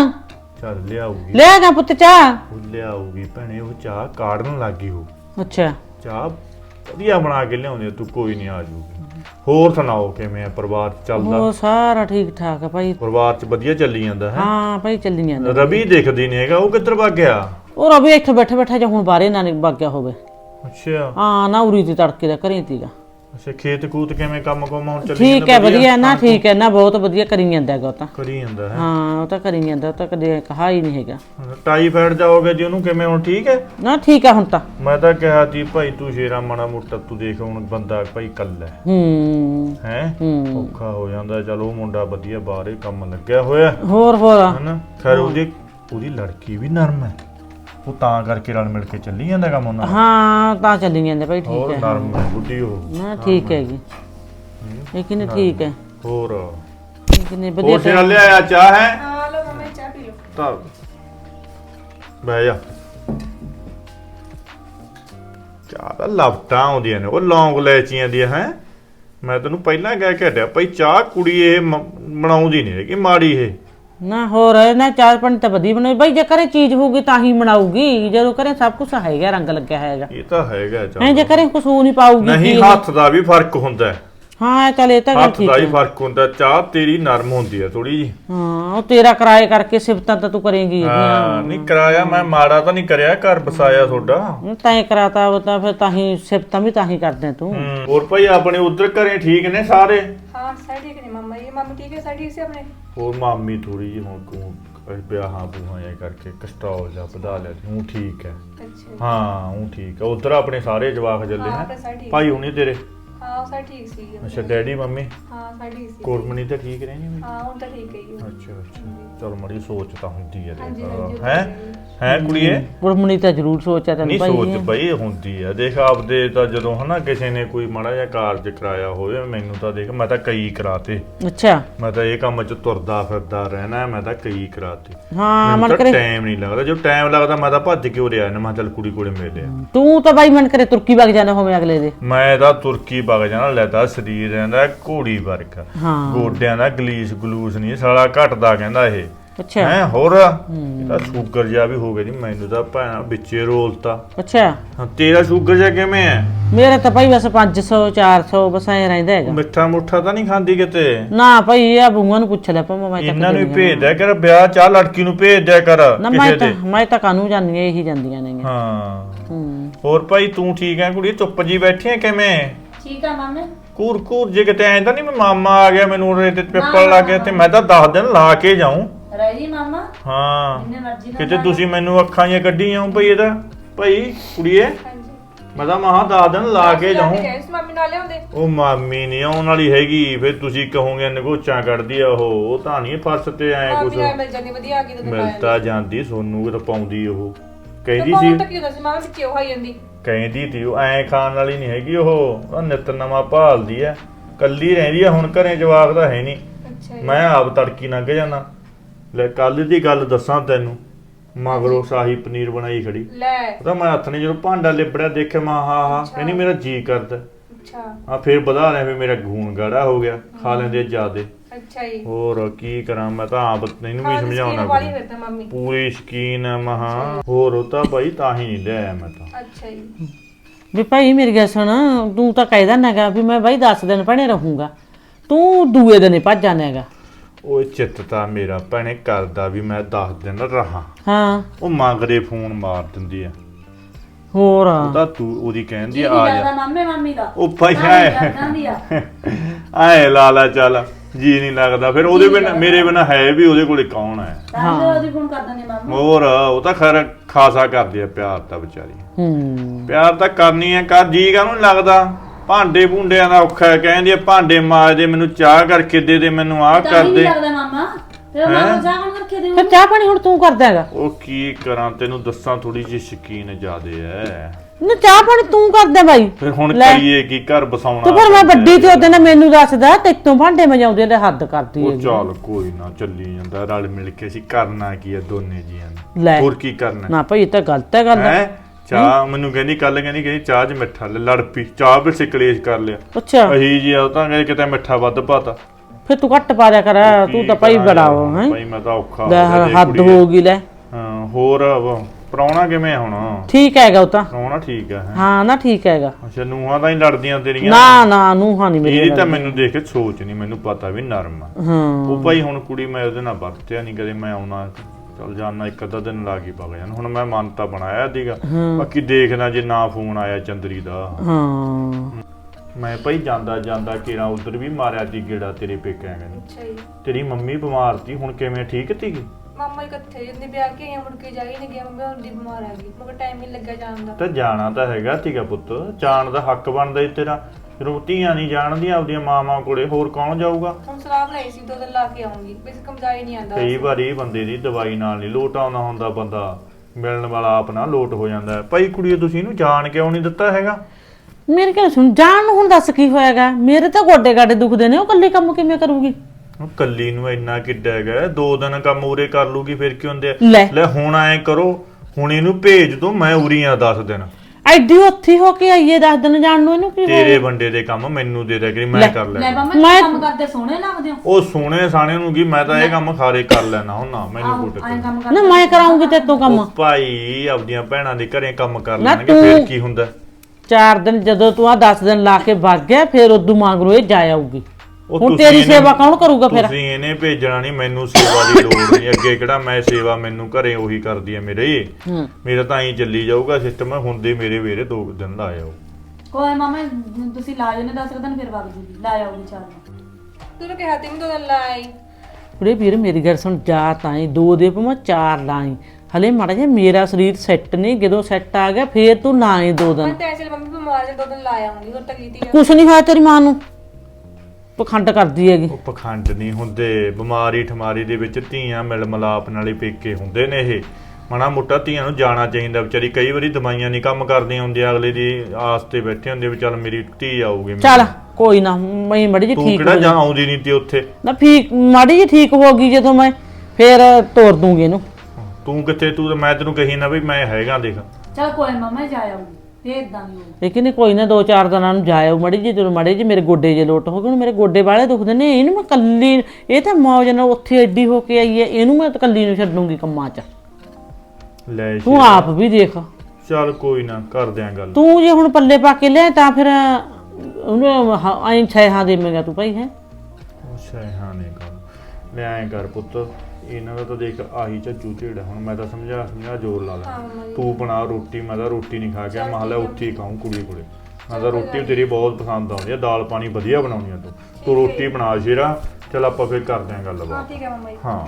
S1: ਚੱਲ ਲਿਆਊਗੀ
S2: ਲੈ ਗਾ ਪੁੱਤ ਚਾਹ
S1: ਉਹ ਲਿਆਊਗੀ ਭੈਣੇ ਉਹ ਚਾਹ ਕਾੜਨ ਲੱਗੀ ਹੋ
S2: ਅੱਛਾ
S1: ਚਾਹ ਵਧੀਆ ਬਣਾ ਕੇ ਲਿਆਉਂਦੇ ਤੂੰ ਕੋਈ ਨਹੀਂ ਆ ਜਾਊਗੀ ਹੋਰ ਸੁਣਾਓ ਕਿਵੇਂ ਆ ਪਰਿਵਾਰ ਚ ਚੱਲਦਾ
S2: ਉਹ ਸਾਰਾ ਠੀਕ ਠਾਕ ਹੈ ਭਾਈ
S1: ਪਰਿਵਾਰ ਚ ਵਧੀਆ ਚੱਲੀ ਜਾਂਦਾ ਹੈ
S2: ਹਾਂ ਭਾਈ ਚੱਲੀ ਜਾਂਦਾ
S1: ਰਵੀ ਦੇਖਦੀ ਨਹੀਂ ਹੈਗਾ ਉਹ ਕਿੱਧਰ ਭੱਗ ਗਿਆ
S2: ਉਹ ਰਵੀ ਇੱਥੇ ਬੈਠੇ ਬੈਠਾ ਜਾਂ ਹੁਣ ਬਾਹਰੇ ਨਾ ਵਗ ਗਿਆ ਹੋਵੇ
S1: ਅੱਛਾ
S2: ਹਾਂ ਨਾ ਉਰੀ ਤੇ ਤੜਕੇ ਦਾ ਘਰੇ ਤੀਗਾ
S1: ਅੱਛਾ ਖੇਤ ਕੂਤ ਕਿਵੇਂ ਕੰਮ ਕੰਮ ਹੁਣ ਚੱਲੀ
S2: ਠੀਕ ਹੈ ਵਧੀਆ ਨਾ ਠੀਕ ਹੈ ਨਾ ਬਹੁਤ ਵਧੀਆ ਕਰੀ ਜਾਂਦਾ ਹੈਗਾ ਉਹ ਤਾਂ
S1: ਕਰੀ ਜਾਂਦਾ ਹੈ
S2: ਹਾਂ ਉਹ ਤਾਂ ਕਰੀ ਜਾਂਦਾ ਉਹ ਤਾਂ ਕਦੇ ਕਹਾ ਹੀ ਨਹੀਂ ਹੈਗਾ
S1: ਟਾਈਫਾਇਡ ਜਾਓਗੇ ਜੀ ਉਹਨੂੰ ਕਿਵੇਂ ਹੁਣ ਠੀਕ ਹੈ
S2: ਨਾ ਠੀਕ ਹੈ ਹੁਣ ਤਾਂ
S1: ਮੈਂ ਤਾਂ ਕਿਹਾ ਜੀ ਭਾਈ ਤੂੰ ਸ਼ੇਰਾ ਮਾੜਾ ਮੋਟਾ ਤੂੰ ਦੇਖ ਹੁਣ ਬੰਦਾ ਭਾਈ ਕੱਲਾ ਹੈ
S2: ਹੂੰ
S1: ਹੈ
S2: ਹੂੰ
S1: ਔਖਾ ਹੋ ਜਾਂਦਾ ਚਲੋ ਉਹ ਮੁੰਡਾ ਵਧੀਆ ਬਾਹਰੇ ਕੰਮ ਲੱਗਿਆ ਹੋਇਆ
S2: ਹੋਰ ਹੋਰ
S1: ਹਨਾ ਖੈਰ ਉਹਦੀ ਉਹਦੀ ਲੜਕੀ ਵੀ ਨਰਮ ਹੈ ਉਹ ਤਾਂ ਕਰਕੇ ਰਲ ਮਿਲ ਕੇ ਚੱਲੀ ਜਾਂਦਾ ਕੰਮ ਉਹਨਾਂ ਦਾ
S2: ਹਾਂ ਤਾਂ ਚੱਲੀ ਜਾਂਦੇ ਭਾਈ ਠੀਕ
S1: ਹੋਰ
S2: ਹੈ
S1: ਨਰਮ ਹੈ ਬੁੱਢੀ ਉਹ
S2: ਨਾ ਠੀਕ ਹੈਗੀ ਇਹ ਕਿਨੇ ਠੀਕ ਹੈ
S1: ਹੋਰ
S2: ਇਹ ਕਿਨੇ ਵਧੀਆ
S1: ਹੋਰ ਸ਼ੇਰਾ ਲਿਆਇਆ ਚਾਹ ਹੈ
S4: ਆ ਲਓ ਮੰਮੀ ਚਾਹ ਪੀ ਲਓ
S1: ਤਾਂ ਬਹਿ ਜਾ ਚਾਹ ਦਾ ਲਵਟਾਂ ਆਉਂਦੀਆਂ ਨੇ ਉਹ ਲੌਂਗ ਲੈਚੀਆਂ ਦੀਆਂ ਹੈ ਮੈਂ ਤੈਨੂੰ ਪਹਿਲਾਂ ਕਹਿ ਕੇ ਹਟਿਆ ਭਾਈ ਚਾਹ ਕੁੜੀ ਇਹ ਬਣਾਉਂਦੀ ਨਹੀਂ ਹੈਗੀ ਮਾੜੀ ਇਹ
S2: ਨਾ ਹੋਰ ਨਾ ਚਾਹ ਪਾਣੀ ਤਾਂ ਵਧੀਆ ਬਣਾਈ ਬਾਈ ਜੇ ਘਰੇ ਚੀਜ਼ ਹੋਊਗੀ ਤਾਂ ਹੀ ਬਣਾਊਗੀ ਜਦੋਂ ਘਰੇ ਸਭ ਕੁਝ ਹੈਗਾ ਰੰਗ ਲੱਗਿਆ ਹੈਗਾ
S1: ਇਹ ਤਾਂ ਹੈਗਾ ਚਾਹ
S2: ਐ ਜੇ ਘਰੇ ਕੁਝ ਨਹੀਂ ਪਾਊਗੀ
S1: ਨਹੀਂ ਹੱਥ ਦਾ ਵੀ ਫਰਕ ਹੁੰਦਾ ਹੈ
S2: ਹਾਂ ਚੱਲ ਇਹ ਤਾਂ ਗੱਲ
S1: ਹੱਥ
S2: ਠੀਕ
S1: ਦਾ ਹੀ
S2: ਹੈ
S1: ਫਰਕ ਹੁੰਦਾ। ਚਾਹ ਤੇਰੀ ਨਰਮ ਹੁੰਦੀ ਆ ਥੋੜੀ ਜੀ।
S2: ਹਾਂ ਉਹ ਤੇਰਾ ਕਿਰਾਏ ਕਰਕੇ ਸਿਫਤਾਂ ਤਾਂ ਤੂੰ ਕਰੇਂਗੀ
S1: ਹਾਂ ਨਹੀਂ ਕਰਾਇਆ ਮੈਂ ਮਾੜਾ ਤਾਂ ਨਹੀਂ ਕਰਿਆ, ਘਰ ਬਸਾਇਆ ਤੁਹਾਡਾ।
S2: ਹੁਣ ਤੈਂ ਕਰਾਤਾ ਉਹ ਤਾਂ ਫਿਰ ਤਾਂ ਹੀ ਸਿਫਤਾਂ ਵੀ ਤਾਂ ਹੀ ਕਰਦੇ ਤੂੰ
S1: ਹੂੰ ਹੋਰ ਭਾਈ ਆਪਣੇ ਉਧਰ ਘਰੇ ਠੀਕ ਨੇ ਸਾਰੇ?
S4: हाँ सारे ठीक है मम्मा ये मम्मी ठीक है सारे ठीक से अपने
S1: ਹੋਰ ਮਾਮੀ ਥੋੜੀ ਜੀ ਹੁਣ ਕੋ ਵਿਆਹਾਂ ਬੂਹਾਂ ਜਾਂ ਕਰਕੇ ਕਸਟਰੋਲ ਜਾਂ ਵਧਾ ਲਿਆ ਸੀ। ਹੁਣ ਠੀਕ ਹੈ।
S4: अच्छा
S1: ਹਾਂ ਹੁਣ ਠੀਕ ਹੈ। ਉਧਰ ਆਪਣੇ ਸਾਰੇ ਜਵਾਕ ਜੱਲੇ
S4: हाँ
S1: ਹੈ
S4: अपने सारे ठीक
S1: ਭਾਈ ਹੁਣੀ ਤੇਰੇ?
S4: हाँ वो सारे ठीक सी
S1: ਅੱਛਾ ਡੈਡੀ ਮੰਮੀ
S4: हाँ सारे ठीक सी
S1: ਕੋਰਮਣੀ ਤਾਂ ਠੀਕ ਰਹਿਣੀ ਵੀ?
S4: हाँ उन तो ठीक है ही
S1: ਅੱਛਾ ਅੱਛਾ ਚਲ ਮੜੀ ਸੋਚ ਤਾਂ ਹੁੰਦੀ ਹੈ
S4: हाँ जी
S1: ਦੇਖ
S4: हाँ जी
S1: ਹੈ ਹੈ ਕੁੜੀਏ?
S2: ਕੁੜਮਣੀ ਤਾਂ ਜ਼ਰੂਰ ਸੋਚਿਆ ਤੈਨੂੰ
S1: ਨਹੀਂ
S2: ਭਾਈ
S1: ਸੋਚ ਬਈ ਹੁੰਦੀ ਹੈ। ਦੇਖ ਆਪਦੇ ਤਾਂ ਜਦੋਂ ਹਨਾ ਕਿਸੇ ਨੇ ਕੋਈ ਮਾੜਾ ਜਿਹਾ ਕਾਰਜ ਕਰਾਇਆ ਹੋਵੇ, ਮੈਨੂੰ ਤਾਂ ਦੇਖ ਮੈਂ ਤਾਂ ਕਈ ਕਰਾਤੇ।
S2: ਅੱਛਾ
S1: ਮੈਂ ਤਾਂ ਇਹ ਕੰਮ 'ਚ ਤੁਰਦਾ ਫਿਰਦਾ ਰਹਿਣਾ, ਮੈਂ ਤਾਂ ਕਈ ਕਰਾਤੇ।
S2: ਹਾਂ
S1: ਮੈਨੂੰ
S2: ਮਨ
S1: ਤਾਂ
S2: ਕਰੇ
S1: ਟਾਈਮ ਨਹੀਂ ਲੱਗਦਾ। ਜੋ ਟਾਈਮ ਲੱਗਦਾ ਮੈਂ ਤਾਂ ਭੱਜ ਕੇ ਉਰੇ ਆ ਜਾਣਾ। ਮੈਂ ਕਿਹਾ ਚੱਲ ਕੁੜੀ ਕੋਲੇ ਮਿਲ ਲਿਆ।
S2: ਤੂੰ ਤਾਂ ਬਾਈ ਮਨ ਕਰੇ ਤੁਰਕੀ ਵਗ ਜਾਣਾ ਹੋਵੇ ਅਗਲੇ ਦੇ।
S1: ਮੈਂ ਤਾਂ ਤੁਰਕੀ ਵਗ ਜਾਣਾ। ਲੈਦਾ ਸਰੀਰ ਰਹਿੰਦਾ ਘੋੜੀ ਵਰਗਾ,
S2: ਹਾਂ
S1: ਗੋਡਿਆਂ ਦਾ ਗਲੀਸ ਗਲੂਸ ਨਹੀਂ ਸਾਲਾ ਘਟਦਾ ਕਹਿੰਦਾ ਇਹ
S2: ਅੱਛਾ
S1: ਹੈ। ਹੋਰ ਇਹਦਾ ਸ਼ੂਗਰ ਜਿਹਾ ਵੀ ਹੋ ਗਿਆ ਜੀ ਮੈਨੂੰ ਤਾਂ ਭੈਣਾ ਵਿੱਚੇ ਰੋਲਤਾ।
S2: ਅੱਛਾ
S1: ਹਾਂ ਤੇਰਾ ਸ਼ੂਗਰ ਜਿਹਾ ਕਿਵੇਂ ਹੈ?
S2: ਮੇਰਾ ਤਾਂ ਭਾਈ ਬਸ ਪੰਜ ਸੌ ਚਾਰ ਸੌ ਬਸ ਐ ਰਹਿੰਦਾ ਹੈਗਾ।
S1: ਮਿੱਠਾ ਮੁੱਠਾ ਤਾਂ ਨਹੀਂ ਖਾਂਦੀ ਕਿਤੇ?
S2: ਨਾ ਭਾਈ ਇਹ ਬੂਆਂ ਨੂੰ ਪੁੱਛ ਲੈ ਭਾਵੇਂ ਮੈਂ ਤਾਂ
S1: ਇਹਨਾਂ ਨੂੰ
S2: ਕਦੇ
S1: ਹੀ
S2: ਨਹੀਂ
S1: ਭੇਜ ਦਿਆ ਕਰ ਵਿਆਹ ਚਾਹ ਲੜਕੀ ਨੂੰ ਭੇਜ ਦਿਆ ਕਰ
S2: ਨਾ ਮੈਂ
S1: ਕਿਸੇ
S2: ਤਾਂ
S1: ਦੇ।
S2: ਮੈਂ ਤਾਂ ਕਾਨੂੰ ਜਾਂਦੀਆਂ ਇਹੀ ਜਾਂਦੀਆਂ ਨੇ
S1: ਹਾਂ
S2: ਹੂੰ
S1: ਹੋਰ ਭਾਈ ਤੂੰ ਠੀਕ ਹੈ ਕੁੜੀ? ਚੁੱਪ ਜੀ ਬੈਠੀ ਹੈ ਕਿਵੇਂ?
S3: ਠੀਕ ਆ ਮਾਮੇ।
S1: ਕੂਰ ਕੂਰ ਜੇ ਕਿਤੇ ਐਂ ਤਾਂ ਨਹੀਂ ਮੈਂ ਮਾਮਾ ਆ ਗਿਆ ਮੈਨੂੰ ਉਰੇ ਤੇ ਪੇਪਰ ਲਾ ਕੇ ਤੇ ਮੈਂ ਤਾਂ ਦਸ ਦਿਨ ਲਾ ਕੇ ਜਾਊਂ।
S3: ਰਹੀ ਮਾਮਾ
S1: ਹਾਂ
S3: ਜਿੰਨੇ ਮਰਜ਼ੀ ਨਾਲ
S1: ਕਿਤੇ ਤੁਸੀਂ ਮੈਨੂੰ ਅੱਖਾਂ ਜਿਹੀਆਂ ਕੱਢੀ ਜਾਉਂ ਭਈ ਇਹਦਾ। ਭਾਈ ਕੁੜੀਏ
S4: हाँ जी
S1: ਮੈਂ ਤਾਂ ਮਹਾ ਦਸ ਦਿਨ ਲਾ ਕੇ ਜਾਊਂ।
S4: इस मम्मी नाले होंगे
S1: ਉਹ ਮਾਮੀ ਨਹੀਂ ਆਉਣ ਵਾਲੀ ਹੈਗੀ। ਫਿਰ ਤੁਸੀਂ ਕਹੋਗੇ ਨਗੋਚਾਂ ਕੱਢਦੀ ਆ ਉਹ ਉਹ ਤਾਂ ਨਹੀਂ ਫਰਸ ਤੇ ਐ ਕੁਛ
S4: मम्मी नाल मिल जानी वधिया आ गई तो
S1: ਮਿਲ ਤਾਂ ਜਾਂਦੀ ਸੋਨੂੰ ਤਾਂ ਪਾਉਂਦੀ ਉਹ ਕਹਿੰਦੀ
S4: तो
S1: ਸੀ
S4: तक क्यों दस मामा पिछे हो आई जंदी
S1: ਕਹਿੰਦੀ ਤੀ ਉਹ ਐ ਖਾਣ ਵਾਲੀ ਨਹੀਂ ਹੈਗੀ। ਉਹ ਉਹ ਨਿੱਤ ਨਵਾਂ ਭਾਲਦੀ ਐ, ਕੱਲੀ ਰਹਿੰਦੀ ਆ ਹੁਣ ਘਰੇ ਜਵਾਕ ਤਾਂ ਹੈ ਨਹੀਂ।
S4: अच्छा जी
S1: ਮੈਂ ਆਪ ਤੜਕੀ ਲੰਘ ਜਾਣਾ। ਲੈ ਕੱਲ ਦੀ ਗੱਲ ਦੱਸਾਂ ਤੈਨੂੰ, ਮਗਰੋਂ ਸ਼ਾਹੀ ਪਨੀਰ ਬਣਾਈ ਖੜੀ।
S4: ले
S1: ਉਹਦਾ ਮੈਂ ਹੱਥ ਨੇ ਜਦੋਂ ਭਾਂਡਾ ਲਿਬੜਿਆ ਦੇਖਿਆ ਮੈਂ ਹਾ ਹਾ
S4: ਅੱਛਾ।
S1: ਕਹਿੰਦੀ ਮੇਰਾ ਜੀ ਕਰਦਾ।
S4: अच्छा
S1: ਆ ਫੇਰ ਵਧਾ ਲਿਆ ਵੀ ਮੇਰਾ ਖੂਨ ਗਾੜਾ ਹੋ ਗਿਆ। ਖਾ ਲੈਂਦੇ ਜਿਆਦੇ।
S4: अच्छा जी
S1: ਹੋਰ ਕੀ ਕਰਾਂ ਮੈਂ ਤਾਂ ਆਪ ਇਹਨੂੰ ਵੀ
S4: हाँ, तो
S1: ਸਮਝਾਉਣਾ
S4: स्किन वाली
S1: ਪੈਂਦਾ।
S4: फिरता मम्मी
S1: ਪੂਰੀ ਸ਼ਕੀਨ ਆ ਮਹਾ। ਹੋਰ ਉਹ ਤਾਂ ਭਾਈ ਤਾਂ ਹੀ ਨਹੀਂ ਲਿਆਇਆ ਮੈਂ ਤਾਂ।
S4: अच्छा जी
S2: ਵੀ ਭਾਈ ਮੇਰੀ ਗੱਲ ਸੁਣ ਤੂੰ ਤਾਂ ਕਹਿਦਾ ਨਾਗਾ ਵੀ ਮੈਂ ਬਾਈ ਦਸ ਦਿਨ ਭਣੇ ਰਹੂੰਗਾ ਤੂੰ ਦੂਏ ਦਿਨ ਹੀ ਭੱਜ ਜਾਣਾ ਹੈਗਾ।
S1: ਉਹ ਚਿੱਤ ਤਾਂ ਮੇਰਾ ਭੈਣੇ ਕਰਦਾ ਵੀ ਮੈਂ ਦਸ ਦਿਨ ਰਹਾ।
S2: ਹਾਂ
S1: ਉਹ ਮੰਗਦੇ ਫੋਨ ਮਾਰ ਦਿੰਦੀ ਆ।
S2: ਹੋਰ
S1: ਉਹਦਾ ਤੂੰ ਉਹਦੀ ਕਹਿੰਦੀ
S3: ਜੀ
S1: ਆ
S3: ਨਹੀਂ
S1: ਆ
S3: ਲੱਗਦਾ
S1: ਜਾ।
S3: ਮਾਮੇ ਮਾਮੀ ਦਾ।
S1: ਉਹ ਭਾਈ
S3: ਆਹ
S1: ਐ
S3: ਜਾਂਦੀ ਆ।
S1: ਐ ਲਾ ਲਾ ਚੱਲ ਜੀ ਨਹੀਂ ਲੱਗਦਾ। ਫਿਰ ਉਹਦੇ ਬਿਨਾ ਮੇਰੇ ਬਿਨਾ ਹੈ ਵੀ ਉਹਦੇ ਕੋਲੇ ਕੌਣ ਹੈ?
S3: ਤਾਂ ਫਿਰ ਉਹਦੀ ਗੁਣ ਕਰ ਦਿੰਦੇ ਮਾਮਾ।
S1: ਹੋਰ ਉਹ ਤਾਂ ਖੈਰ ਖਾਸਾ ਕਰਦੀ ਆ ਪਿਆਰ ਤਾਂ ਵਿਚਾਰੀ।
S2: ਹੂੰ
S1: ਪਿਆਰ ਤਾਂ ਕਰਨੀ ਆ ਕਰ ਜੀ ਕਾਹਨੂੰ ਨੀ ਲੱਗਦਾ। ਭਾਂਡੇ ਭੁੰਡਿਆਂ ਦਾ ਔਖਾ ਹੈ। ਕਹਿੰਦੀ ਆ ਭਾਂਡੇ ਮਾਜਦੇ ਮੈਨੂੰ ਚਾਹ ਕਰਕੇ ਦੇ ਦੇ ਮੈਨੂੰ ਆਹ
S3: ਤਾਂ
S1: ਕਰ
S3: ਹੀ
S1: ਦੇ।
S3: ਨਹੀਂ ਲੱਗਦਾ ਮਾਮਾ। ਫਿਰ ਮਾਮਾ ਜਾ ਕੌਣ ਰੱਖੇ ਦੇ
S2: ਫਿਰ ਚਾਹ ਪਾਣੀ ਹੁਣ ਤੂੰ ਕਰਦਾ ਹੈਗਾ
S1: ਉਹ ਕੀ ਕਰਾਂ ਤੈਨੂੰ ਦੱਸਾਂ ਥੋੜੀ ਜਿਹੀ ਸ਼ਕੀਨ ਜ਼ਿਆਦੇ ਐ।
S2: ਨਾ ਚਾਹ ਪਾਣੀ ਤੂੰ ਕਰਦਾ ਬਾਈ
S1: ਫਿਰ ਹੁਣ
S2: ਲੈ।
S1: ਕਰੀਏ ਕੀ ਘਰ ਬਸਾਉਣਾ।
S2: ਤੇ ਫਿਰ ਮੈਂ ਵੱਡੀ ਤੇ ਉਹਦੇ ਨਾਲ ਮੈਨੂੰ ਦੱਸਦਾ ਤੇਤੋਂ ਭਾਂਡੇ ਮਜਾਉਂਦੇ ਲੈ ਹੱਦ ਕਰਦੀ
S1: ਉਹ
S2: ਹੈਗੀ।
S1: ਚੱਲ ਕੋਈ ਨਾ ਚੱਲੀ ਜਾਂਦਾ ਰਲ ਮਿਲ ਕੇ ਅਸੀਂ ਕਰਨਾ ਕੀ ਆ ਦੋਨੇ ਜੀਆਂ ਨੇ।
S2: ਲੈ
S1: ਹੋਰ ਕੀ ਕਰਨਾ
S2: ਨਾ ਭਾਈ ਇਹ ਤਾਂ ਗਲਤ ਹੈ ਗੱਲ
S1: ਹੈ? ਚਾਹ ਮੈਨੂੰ ਕਹਿੰਦੀ ਕੱਲ ਕਹਿੰਦੀ ਕਹਿੰਦੀ ਚਾਹ 'ਚ ਮਿੱਠਾ ਲੈ ਲੜ ਪਈ। ਚਾਹ ਵਿੱਚ ਕਲੇਸ਼ ਕਰ ਲਿਆ।
S2: ਅੱਛਾ
S1: ਅਹੀ ਜੀ ਆ ਤਾਂ ਕਹਿੰਦੇ ਕਿਤੇ ਮਿੱਠਾ ਵੱਧ ਪਾਤਾ।
S2: ਫਿਰ ਤੂੰ ਘੱਟ ਪਾ ਦਿਆ ਕਰ ਤੂੰ ਤਾਂ ਭਾਈ ਬੜਾ ਹੋ ਹੈ
S1: ਭਾਈ ਮੈਂ ਤਾਂ ਔਖਾ ਹੋ
S2: ਲੈ
S1: ਗਿਆ ਜੇ
S2: ਹੱਦ
S1: ਕੁੜੀ-
S2: ਹੋ ਗਈ ਲੈ
S1: ਹਾਂ ਹੋਰ ਪ੍ਰਾਹੁਣਾ ਕਿਵੇਂ ਹੁਣ?
S2: ਠੀਕ ਹੈਗਾ ਉਹ ਤਾਂ
S1: ਪ੍ਰਾਹੁਣਾ ਠੀਕ ਆ ਹੈ?
S2: ਹਾਂ ਨਾ ਠੀਕ ਹੈਗਾ
S1: ਅੱਛਾ ਨੂੰਹਾਂ ਤਾਂ ਹੀ ਲੜਦੀਆਂ ਤੇਰੀਆਂ?
S2: ਨਾ ਨਾ ਨੂੰਹਾਂ ਨਹੀਂ ਮੇਰੀ
S1: ਇਹ ਤਾਂ ਮੈਨੂੰ ਦੇਖ ਕੇ ਸੋਚ ਨਹੀਂ ਮੈਨੂੰ ਪਤਾ ਵੀ ਨਰਮ ਆ।
S2: ਹਾਂ
S1: ਉਹ ਭਾਈ ਹੁਣ ਕੁੜੀ ਮੈਂ ਉਹਦੇ ਨਾਲ ਵਰਤਿਆ ਨਹੀਂ ਕਦੇ। ਮੈਂ ਆਉਣਾ ਚਲ ਜਾਣਾ ਇੱਕ ਅੱਧਾ ਦਿਨ ਲਾ ਕੇ ਪਾ ਜਾਣਾ। ਹੁਣ ਮੈਂ ਮਨ ਤਾਂ ਬਣਾਇਆ ਸੀਗਾ ਬਾਕੀ ਦੇਖਣਾ ਜੇ ਨਾ ਫੋਨ ਆਇਆ ਚੰਦਰੀ ਦਾ।
S2: ਹਾਂ
S1: ਮੈਂ ਭਾਈ ਜਾਂਦਾ ਜਾਂਦਾ ਕਿਰਾ ਉਧਰ ਵੀ ਮਾਰਿਆ ਸੀ ਗੇੜਾ ਤੇਰੇ ਪੇਕਿਆਂ ਕਨੀ।
S4: अच्छा जी
S1: ਤੇਰੀ ਮੰਮੀ ਬਿਮਾਰ ਸੀ ਹੁਣ ਕਿਵੇਂ ਠੀਕ ਸੀਗੀ?
S4: मम्मा इकट्ठे जिंदे ब्याह के मुड़ के जा ही नहीं गया मम्मी हुंदी बीमार आ गई मगर टाइम ही लगा जान दा
S1: ਤਾਂ ਜਾਣਾ ਤਾਂ ਹੈਗਾ ਸੀਗਾ ਪੁੱਤ। ਜਾਣ ਦਾ ਹੱਕ ਬਣਦਾ ਈ ਤੇਰਾ। ਜਦੋਂ ਧੀਆਂ ਨਹੀਂ ਜਾਣਦੀਆਂ ਆਪਦੀਆਂ ਮਾਵਾਂ ਕੋਲੇ ਹੋਰ ਕੌਣ ਜਾਊਗਾ?
S4: हम सलाह बनाई सी दो दिन ला के आऊंगी वैसे कमजा ही नहीं आंदा
S1: ਕਈ ਵਾਰੀ ਬੰਦੇ ਦੀ ਦਵਾਈ ਨਾਲ ਨਹੀਂ ਲੋਟ ਆਉਂਦਾ ਹੁੰਦਾ। ਬੰਦਾ ਮਿਲਣ ਵਾਲਾ ਆਪ ਨਾਲ ਲੋਟ ਹੋ ਜਾਂਦਾ ਹੈ। ਭਾਈ ਕੁੜੀਏ ਤੁਸੀਂ ਇਹਨੂੰ ਜਾਣ ਕਿਉਂ ਨਹੀਂ ਦਿੱਤਾ ਹੈਗਾ?
S2: ਮੇਰੇ ਕੋਲ ਸੁਣ ਜਾਣ ਨੂੰ ਹੁਣ ਦੱਸ ਕੀ ਹੋਇਆਗਾ ਮੇਰੇ ਤਾਂ ਗੋਡੇ ਗਾਡੇ ਦੁਖਦੇ ਨੇ ਉਹ ਇਕੱਲੀ ਕੰਮ ਕਿਵੇਂ ਕਰੂਗੀ?
S1: ਉਹ ਕੱਲੀ ਨੂੰ ਇੰਨਾ ਕਿੱਡਾ ਹੈਗਾ ਦੋ ਦਿਨ ਕੰਮ ਉਰੇ ਕਰ ਲੂਗੀ ਫਿਰ ਕੀ ਹੁੰਦੇ ਆ?
S2: ਲੈ
S1: ਲੈ ਹੁਣ ਐ ਕਰੋ ਹੁਣ ਇਹਨੂੰ ਭੇਜ ਦੋ ਮੈਂ ਉਰੀ ਆ ਦਸ ਦਿਨ।
S2: ਐਡੀ ਉੱਥੇ ਹੋ ਕੇ ਆਈਏ ਦਸ ਦਿਨ ਜਾਣ ਨੂੰ ਇਹਨੂੰ ਕੀ
S1: ਤੇਰੇ ਬੰਦੇ ਦੇ ਕੰਮ ਮੈਨੂੰ ਦੇ ਦੇ ਕਿ ਮੈਂ ਕਰ
S3: ਲੈ
S1: ਲੈ।
S3: ਮਾਮਾ
S2: ਮੈਂ-
S3: ਕੰਮ ਕਰਦੇ ਸੋਹਣੇ ਲੱਗਦੇ ਹੋ।
S1: ਉਹ ਸੋਹਣੇ ਸਾਣੇ ਨੂੰ ਕੀ ਮੈਂ ਤਾਂ ਇਹ ਕੰਮ ਖਾਰੇ ਕਰ ਲੈਣਾ ਹੁਣ ਨਾ ਮੈਨੂੰ
S3: ਆਹੋ,
S1: ਕੁੱਟ
S3: ਐਂ
S1: ਕੇ।
S3: ਕੰਮ
S2: ਨਾ
S3: ਕਰਦੇ
S2: ਮੈਂ ਕਰਾਉਂਗੀ ਤੇ ਤੂੰ ਕੰਮ
S1: ਉਹ ਭਾਈ ਆਪਦੀਆਂ ਭੈਣਾਂ ਦੇ ਘਰੇ ਕੰਮ ਕਰ
S2: ਨਾ
S1: ਲੈਣਗੇ
S2: ਤੂੰ-
S1: ਫਿਰ ਕੀ ਹੁੰਦਾ?
S2: ਚਾਰ ਦਿਨ ਜਦੋਂ ਤੂੰ ਆ ਦਸ ਦਿਨ ਲਾ ਕੇ ਵਗ ਗਿਆ ਫਿਰ ਉਦੋਂ ਮਗਰੋਂ ਇਹ ਜਾ ਆਊਗੀ
S1: ਉਹ
S2: ਹੁਣ
S1: ਤੁਸੀਂ
S2: ਤੇਰੀ
S1: ਇਹਨੇ-
S2: ਸੇਵਾ ਕੌਣ ਕਰੂਗਾ ਫਿਰ
S1: ਤੁਸੀਂ ਇਹਨੇ ਭੇਜਣਾ ਨਹੀਂ, ਮੈਨੂੰ ਸੇਵਾ ਦੀ ਲੋੜ ਨਹੀਂ। ਅੱਗੇ ਕਿਹੜਾ ਮੈਂ ਸੇਵਾ ਮੈਨੂੰ ਘਰੇ ਉਹੀ ਕਰਦੀ ਆ ਮੇਰੇ।
S2: ਹੂੰ
S1: ਮੇਰਾ ਤਾਂ ਐਂ ਚੱਲੀ ਜਾਊਗਾ ਸਿਸਟਮ। ਹੁੰਦੇ ਮੇਰੇ ਵੇਰੇ ਦੋ ਕੁ ਦਿਨ ਲਾ ਆਓ।
S3: ਕੋਈ ਮਾਮਾ ਤੁਸੀਂ ਲਾ ਜਾਨੇ ਦਸ ਕੁ ਦਿਨ ਫਿਰ ਵਗ ਜੂਗੀ ਲਾ ਆਉਗੀ ਚਾਰ ਦਿਨ।
S4: ਤੂੰ ਤਾਂ ਕਿਹਾ ਤੀ ਮੈਂ ਦੋ ਦਿਨ ਲਾਈ
S2: ਕੁੜੇ ਵੀਰ ਮੇਰੀ ਗੱਲ ਸੁਣ ਜਾ ਤਾਂ ਹੀ ਦੋ ਦੇ ਭਾਵੇਂ ਚਾਰ ਲਾਈ ਹਲੇ ਮਾੜਾ ਜਿਹਾ ਮੇਰਾ ਸਰੀਰ ਸੈੱਟ ਨਹੀਂ ਜਦੋਂ ਸੈੱਟ ਆ ਗਿਆ ਫੇਰ ਤੂੰ ਲਾਈ ਦੋ ਦਿਨ
S4: ਮੈਂ ਤਾਂ ਐਸੇ ਮੰਮੀ ਬਿਮਾਰ ਜੇ ਦੋ ਦਿਨ ਲਾ ਆਉਂਗੀ ਹੋਰ ਤਾਂ ਕੀਤੀ
S2: ਕੁਛ ਨਹੀਂ ਹੋਇਆ ਤੇਰੀ ਮਾਂ ਨੂੰ ਪਖੰਡ ਕਰਦੀ ਹੈਗੀ
S1: ਉਹ ਪਖੰਡ ਨਹੀਂ ਹੁੰਦੇ। ਬਿਮਾਰੀ ਠਮਾਰੀ ਦੇ ਵਿੱਚ ਧੀਆਂ ਮਿਲ ਮਲਾਪ ਨਾਲ ਹੀ ਪੇਕੇ ਹੁੰਦੇ ਨੇ ਇਹ। ਮਾੜਾ ਮੋਟਾ ਧੀਆਂ ਨੂੰ ਜਾਣਾ ਚਾਹੀਦਾ। ਵਿਚਾਰੀ ਕਈ ਵਾਰੀ ਦਵਾਈਆਂ ਨਹੀਂ ਕੰਮ ਕਰਦੀਆਂ ਹੁੰਦੀਆਂ, ਅਗਲੇ ਦੀ ਆਸ ਤੇ ਬੈਠੇ ਹੁੰਦੇ ਵੀ ਚੱਲ ਮੇਰੀ ਧੀ ਆਊਗੀ।
S2: ਚੱਲ ਕੋਈ ਨਾ ਮੈਂ ਮਾੜੀ ਜੀ
S1: ਤੂੰ
S2: ਠੀਕ
S1: ਕਿਹੜਾ
S2: ਹੋ
S1: ਜਾਂ
S2: ਜਾ
S1: ਆਉਂਦੀ ਨਹੀਂ ਤੇ ਉੱਥੇ।
S2: ਨਾ ਠੀਕ ਮਾੜੀ ਜੀ ਠੀਕ ਹੋ ਗਈ ਜਦੋਂ ਮੈਂ ਫੇਰ ਤੋਰ ਦੂੰਗੀ ਇਹਨੂੰ
S1: ਤੂੰ ਕਿੱਥੇ? ਤੂੰ ਤਾਂ ਮੈਂ ਤੈਨੂੰ ਕਹੀ ਨਾ ਵੀ ਮੈਂ ਹੈਗਾ ਦੇਖ।
S3: ਚਲ ਕੋਈ ਮਾਮਾ ਜਾ ਆਉਗੀ ਫੇਰ ਇਦਾਂ ਨਹੀਂ ਹੋਊ।
S2: ਲੇਕਿਨ ਕੋਈ ਨਾ ਦੋ ਚਾਰ ਦਿਨਾਂ ਨੂੰ ਜਾਇਓ ਮੜੀ ਜੀ ਜਦੋਂ ਮੜੇ ਜੀ ਮੇਰੇ ਗੋਡੇ ਜੇ ਲੋਟ ਹੋ ਗਏ ਹੁਣ ਮੇਰੇ ਗੋਡੇ ਵਾਲੇ ਦੁਖਦੇ ਨੇ ਇਹਨੂੰ ਮੈਂ ਕੱਲੀ ਇਹ ਤਾਂ ਮੌਜ ਨਾਲ ਉੱਥੇ ਐਡੀ ਹੋ ਕੇ ਆਈ ਹੈ ਇਹਨੂੰ ਮੈਂ ਕੱਲੀ ਨੂੰ ਛੱਡੂੰਗੀ ਕੰਮਾਂ 'ਚ
S1: ਲੈ
S2: ਤੂੰ ਆਪ ਵੀ ਦੇਖ
S1: ਚੱਲ ਕੋਈ ਨਾ ਕਰਦੇ ਆਂ ਗੱਲ।
S2: ਤੂੰ ਜੇ ਹੁਣ ਪੱਲੇ ਪਾ ਕੇ ਲਿਆ ਤਾਂ ਫਿਰ ਉਹਨੂੰ ਐਂ ਛੇਹਾਂ ਦੇਵੇਂਗਾ ਤੂੰ ਭਾਈ ਹੈ
S1: ਅੱਛਾ ਹਾਂ ਨਹੀਂ ਗੱਲ। ਲੈ ਐਂ ਕਰ ਪੁੱਤ, ਇਹਨਾਂ ਦਾ ਤਾਂ ਦੇਖ ਆਹੀ ਝੱਜੂ ਢੇੜਾ। ਹੁਣ ਮੈਂ ਤਾਂ ਸਮਝਾ ਸਮਝਾ ਜ਼ੋਰ ਲਾ ਲਾ। ਤੂੰ ਬਣਾ ਰੋਟੀ, ਮੈਂ ਤਾਂ ਰੋਟੀ ਨਹੀਂ ਖਾ ਗਿਆ। ਮੈਂ ਲੈ ਉੱਥੇ ਹੀ ਖਾਊਂ ਕੁੜੀ ਕੋਲੇ। ਮੈਂ ਤਾਂ ਰੋਟੀ ਤੇਰੀ ਬਹੁਤ ਪਸੰਦ ਆਉਂਦੀ ਆ, ਦਾਲ ਪਾਣੀ ਵਧੀਆ ਬਣਾਉਣੀ ਆ ਤੂੰ। ਤੂੰ ਰੋਟੀ ਬਣਾ ਸ਼ੇਰਾ। ਚੱਲ ਆਪਾਂ ਫਿਰ ਕਰਦੇ ਆਂ
S4: ਹਾਂ
S1: ਗੱਲਬਾਤ।
S4: ਠੀਕ ਹੈ ਮੰਮਾ ਜੀ
S1: ਹਾਂ